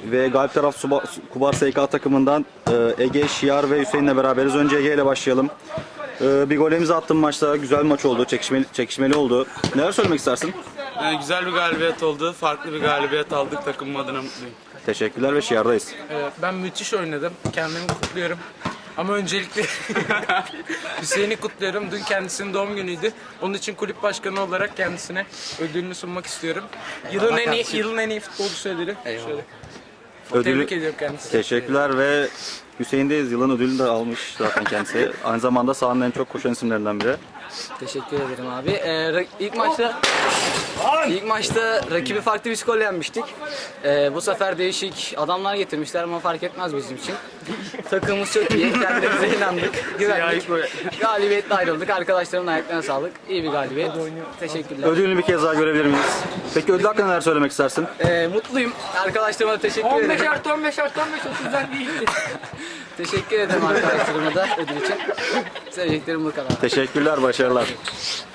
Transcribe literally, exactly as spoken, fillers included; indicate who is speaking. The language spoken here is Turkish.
Speaker 1: ve galip taraf Suba, Kubar S K takımından e, Ege, Şiar ve Hüseyin'le beraberiz. Önce Ege ile başlayalım. E, bir golemizi attın maçta. Güzel bir maç oldu. Çekişmeli, çekişmeli oldu. Neler söylemek istersin?
Speaker 2: Ee, güzel bir galibiyet oldu. Farklı bir galibiyet aldık. Takımım adına mutluyum.
Speaker 1: Teşekkürler ve Şiar'dayız.
Speaker 3: Evet, ben müthiş oynadım. Kendimi kutluyorum. Ama öncelikle Hüseyin'i kutluyorum. Dün kendisinin doğum günüydü. Onun için kulüp başkanı olarak kendisine ödülünü sunmak istiyorum. Yılın en iyi, yılın en iyi futbolcusu ödülü. Şöyle. Tebrik ediyorum kendisini.
Speaker 1: Teşekkürler ve Hüseyin'deyiz. Yılın ödülünü de almış zaten kendisi. Aynı zamanda sahanın en çok koşan isimlerinden biri.
Speaker 4: Teşekkür ederim abi. Ee, ra- ilk maçta ilk maçta rakibi farklı bir skorla yenmiştik. Ee, bu sefer değişik adamlar getirmişler ama fark etmez bizim için. Takımımız çok iyi. Kendimize inandık. Güvendik. Galibiyetle ayrıldık. Arkadaşlarımın ayaklarına sağlık. İyi bir galibiyet. Teşekkürler.
Speaker 1: Ödülünü bir kez daha görebilir miyiz? Peki ödül hakkında neler söylemek istersin?
Speaker 4: Ee, mutluyum. Arkadaşlarıma da teşekkür
Speaker 3: on beş
Speaker 4: ederim.
Speaker 3: artı on beş artı on beş otuzdan değildi.
Speaker 4: Teşekkür ederim arkadaşlarıma da ödül için. Söyleyeceklerim bu kadar.
Speaker 1: Teşekkürler, başarılar.